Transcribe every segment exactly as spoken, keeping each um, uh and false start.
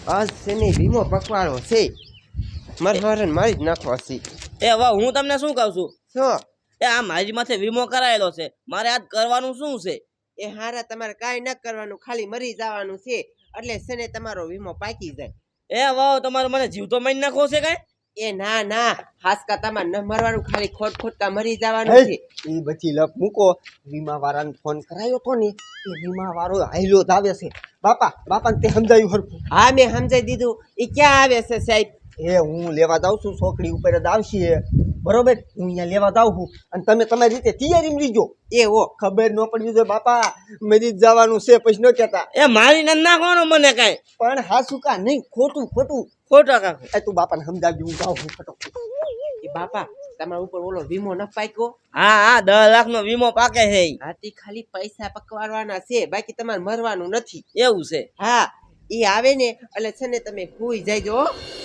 આજ શેને વીમો પકવાડો છે મારે મારે મારી જ નાખવા છે. એ વાહ, હું તમને શું કહું છું, શું એ આ મારી માથે વીમો કરાયેલો છે, મારે આજ કરવાનું શું છે? એ હારા તમારે કાંઈ ન કરવાનું, ખાલી મરી જવાનું છે એટલે શેને તમારો વીમો પાકી જાય. એ વાહ, તમારે મને જીવતો મારી નાખવો છે કઈ? એ ના ના, હાસકા તમારે ન મરવાનું, ખાલી ખોટ ખોટકા મરી જવાનું છે. એ બધી લપ મૂકો. વીમા વાળાને ફોન કરાયો તો ને, એ વીમા વાળો હાઈલો જ આવે છે. બાપા બાપાને તે સમજાયું હરખું? હા મેં સમજાઈ દીધું. એ ક્યાં આવે છે સાહેબ? એ હું લેવા જાઉં છું, છોકરી ઉપર જ આવશે બરોબર. હું અહીંયા લેવા જાઉં છું અને તમે તમારી રીતે તૈયારી લીજો. એ ઓ ખબર ન પડવી જોઈએ બાપા, મરી જ જવાનું છે પછી ન કહેતા. એ મારી ન નાખવાનો મને કઈ. પણ હાસુ કા નહીં, ખોટું ખોટું ખોટો કાકો. એ તું બાપાને સમજાવજો, હું જાઉં છું ફટોફટ. એ બાપા તમારા ઉપર ઓલો વીમો ન પાક્યો? હા હા, દસ લાખ નો વીમો પાકે છે. હાથી ખાલી પૈસા પકવાડવાના છે, બાકી તમારે મરવાનું નથી. એવું છે? હા, એ આવે ને એટલે છે ને તમે ભૂઈ જાયજો.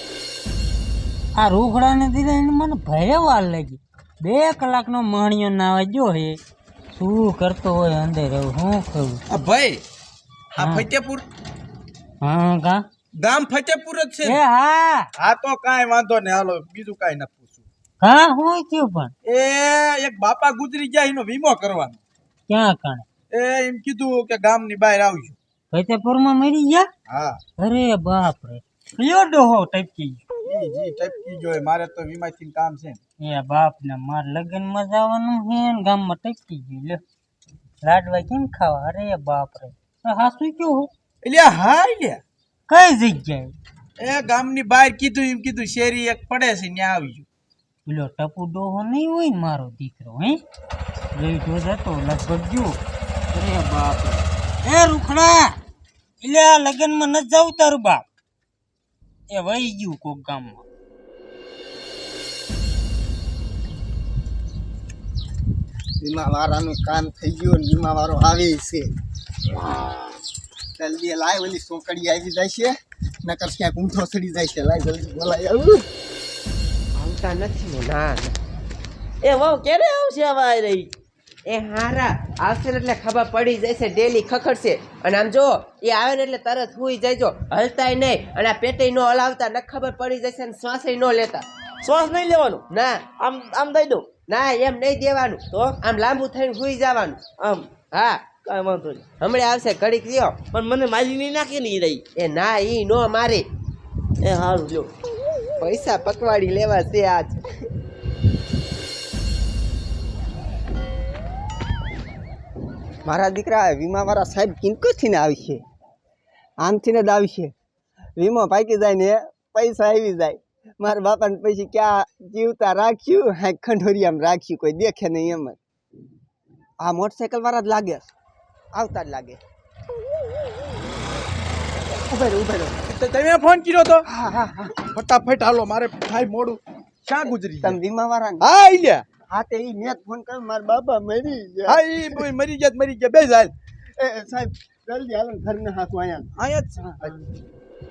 આ રૂખડાને દીધા એને મને ભરે વાર લાગી. બે કલાકનો મણિયો નાવા જો હે, શું કરતો હોય અંદર એવું શું કરું? આ ભાઈ આ હા. ફતેપુર હા કા ગામ ફતેપુર જ છે એ ને? હા હા તો કાંઈ વાંધો ને, હાલો બીજું કાંઈ ના પૂછું. કા હું થયું પણ એ એક બાપા ગુજરી ગયા, એનો વીમો કરવાનો. ક્યાં કાણે? એ એમ કીધું કે ગામની બહાર આવજો. ફતેપુરમાં મરી ગયા? હા અરે બાપ રે, કયો ડોહો ટપકી જી જી ટપકી જોય, મારે તો વીમાથી કામ છે ને. ગયો? એ બાપ ને માર લગ્નમાં જવાનું હે ને ગામમાં ટપકી ગયું. લે લાડવા કેમ ખાવા? અરે બાપ રે, હાસુ કયો હો? એટલે હા લે કઈ જગ્યાએ? એ ગામની બહાર કીધું, એમ કીધું શેરી એક પડે છે ત્યાં આવજો. પેલો ટપુ ડોહો નહીં હોય ને મારો દીકરો, હે લઈ તો જતો લગભગ જો. અરે બાપ રે, એ રૂખડા, એટલે આ લગ્નમાં ન જાવ તારું બાપ. એ વહી ગયું કોક ગામમાં. વીમા વાળાનું કામ થઈ ગયું ને વીમા વાળો આવે છે. જલ્દી લાય, ઓલી છોકરી આવી જાય છે, નકર ક્યાંક ઊંધો ચડી જાય છે. લાય જલ્દી બોલાય. આવું આવતા નથી ને? ના ના. એ વાહ, ક્યારે આવશે હવે આ રહી? એ હારા આવશે ને એટલે ખબર પડી જશે, ડેલી ખખડશે. અને આમ જો એ આવે ને એટલે તરત હુઈ જાયજો, હલતાય નહીં. અને આ પેટે ન હલાવતા, ન ખબર પડી જશે ને શ્વાસે ન લેતા. શ્વાસ નહીં લેવાનો? ના આમ આમ દઈ દઉં? ના એમ નહીં દેવાનું, તો આમ લાંબુ થઈને હુઈ જવાનું. આમ? હા કાંઈ વાંધો નહીં, હમણાં આવશે, ઘડીક રહ્યો. પણ મને મારી નહીં નાખી ને ઈ રહી. એ ના ઈ નો મારે, એ સારું લ્યો. પૈસા પકવાડી લેવા છે આજ. મારા દીકરા વીમા વાળા સાહેબ કિંમતથી ને આવશે, આમથી ને જ આવશે. વીમો પાકી જાય ને પૈસા આવી જાય. મારા બાપાને પછી ક્યાં જીવતા રાખ્યું, હા ખંડોરિયામાં રાખ્યું, કોઈ દેખે નહીં એમ જ. આ મોટરસાઇકલ વાળા જ લાગે, આવતા જ લાગે. ઉભે રહો, ઉભે રહો. તો તમે ફોન કર્યો તો? હા હા હા, ફટાફટ હાલો, મારે થાય મોડું. ક્યાં ગુજરી તમે વીમા વાળા ને? હા ઈ લ્યા. હા તે ઈ મેં જ ફોન કર્યો, મારા બાપા મરી ગયા. હા ઈ બોય મરી ગયા તો મરી ગયા, બે જાય એ એ, સાહેબ જલ્દી હાલો ને ઘરના હાથું અહીંયા. અહીંયા જ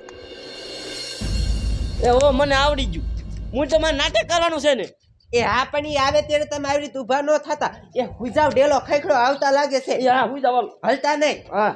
છે. એ ઓ મને આવડી ગયું, હું તમારે નાટક કરવાનું છે ને? એ હા પણ ઈ આવે ત્યારે તમે આવી રીતે ઊભા ન થતા. એ હુજાવ ડેલો ખખડો આવતા લાગે છે, એ હા, હું જવાનું. હલતા નહીં. હા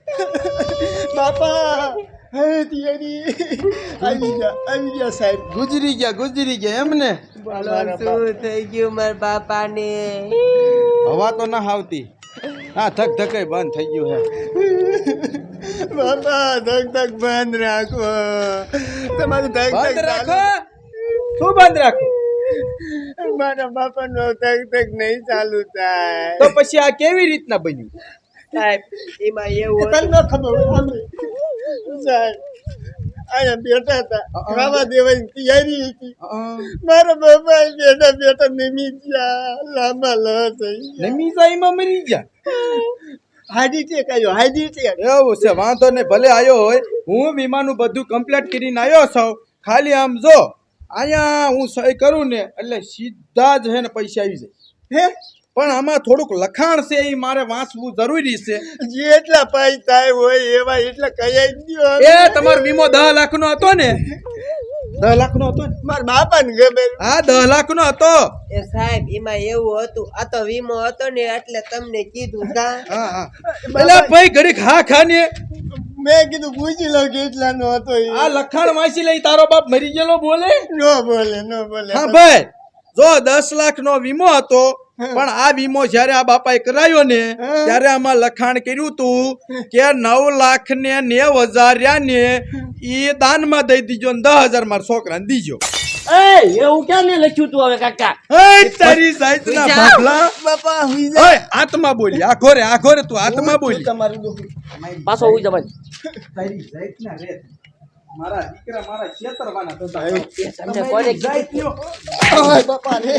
બાપા હે તિયરી આવી ગયા, આવી ગયા સાહેબ. ગુજરી ગયા ગુજરી ગયા એમ ને? શું થઈ ગયું મારા બાપાને? હવા તો ના આવતી. હા ધક ધકે બંધ થઈ ગયું હે. બાપા ધક ધક બંધ રાખો, તમારું ધક બંધ ધક રાખો. શું બંધ રાખો? મારા બાપા નો ધક ધક નહીં ચાલુ થાય. તો પછી આ કેવી રીતના બન્યું? સાહેબ એમાં એવું તને ન ખબર હોય આમ સાહેબ અહીંયા બેઠા હતા, ખાવા દેવાની તૈયારી હતી. મારા બાપા બેઠા બેઠા નમી ગયા, લાંબા લ થઈ ગયા. નમી જાઈમાં મરી ગયા. હાજી ટેક આવ્યો, હાજી ટેક. એવું છે, વાંધો નહીં, ભલે આવ્યો હોય. હું વીમાનું બધું કમ્પ્લીટ કરીને આવ્યો છું. ખાલી આમ જો અહીંયા હું સહી કરું ને એટલે સીધા જ હે ને પૈસા આવી જાય. હે પણ આમાં થોડુંક લખાણ છે, એ મારે વાંચવું જરૂરી છે. જેટલા પૈસા હોય એવા એટલા કયા દો. એ તમારો વીમો દસ લાખ નો હતો ને? દસ લાખ નો હતો ને? મારા બાપા ને ગમે. હા દસ લાખ નો હતો. એ સાહેબ એમાં એવું હતું, આ તો વીમો હતો ને એટલે તમને કીધું તા. હા હા. એટલે ભાઈ ઘડીક હા ખા ને. મેં કીધું પૂછી લઉં કેટલાનો હતો એ. આ લખાણ વાંચી લઈ તારો બાપ મરી ગયેલો બોલે નો બોલે નો બોલે હા ભાઈ જો દસ લાખ નો વીમો હતો પણ આ વીમો જયારે આ બાપાએ કરાયો ને ત્યારે આમાં લખાણ કર્યું તું કે નવ લાખ ને નેવ હજાર રહ્યા ને એ દાનમાં દઈ દીજો ને દસ હજાર મારા છોકરાને દીજો. એ એવું ક્યાં ને લખ્યું તું હવે કાકા? હે તારી જાતના ભાભલા. બાપા હુઈ જા. ઓય આત્મા બોલી આ ઘોરે આ ઘોરે તું આત્મા બોલી તમારું દુઃખ. પાછો ઉઈ જવાય. તારી જાતના રે મારા દીકરા મારા છેતરવાના થતા તમને કોને જાતનો ઓય બાપા રે.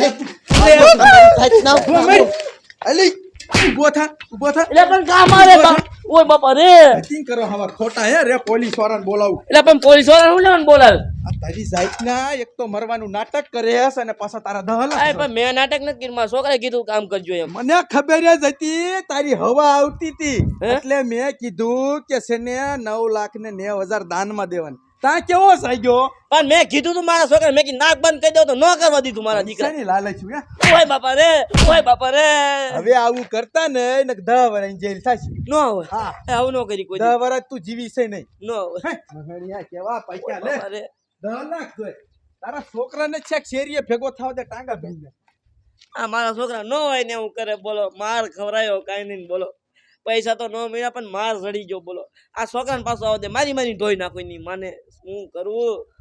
અલી ઉભો થા ઉભો થા એટલે પણ કા મારે બા- ઓય બાપા રે. ધતિંગ કરો હવા ખોટા હે રે પોલીસ વાળાને બોલાવું. એટલે પણ પોલીસ વાળા હું લેવાનું બોલાવે? આ તારી જાતના એક તો મરવાનું નાટક કરે છે અને પાછા તારા દહલા આ પણ મેં નાટક નથી કર્યું, મારા છોકરાએ કીધું કામ કરજો એમ. મને ખબર જ હતી તારી હવા આવતી હતી હે? એટલે મેં કીધું કે છે ને નવ લાખ ને નેવ હજાર દાનમાં દેવાનું. તા કેવો સાગ્યો પણ મેં કીધું તું મારા છોકરા મેં કીધું નાક બંધ કરી દો તો ન કરવા દીધું મારા દીકરા. શેની લાલચ હે? ઓય બાપા રે, ઓય બાપા રે. હવે આવું કરતા ને એને દહ વર્ષની જેલ થશે. નો હોય. હા એ આવું ન કરી કોઈ દહ દી. વર્ષ તું જીવી છે નહીં. ન હોય. હે, મગણિયા કેવા પૈસા લે બાપા રે. દહ લાખ જોઈ તારા છોકરાને છેક શેરીએ ભેગો થાવ દે ટાંગા ભીંગે. આ મારા છોકરા ન હોય ને એવું કરે બોલો, માર ખવરાયો કાંઈ નહીં બોલો. પૈસા તો ન મળ્યા પણ માર જડી ગયો બોલો. આ છોકરાને પાછો આવો દે મારી મારી ધોઈ નાખો ની માને શું કરવું.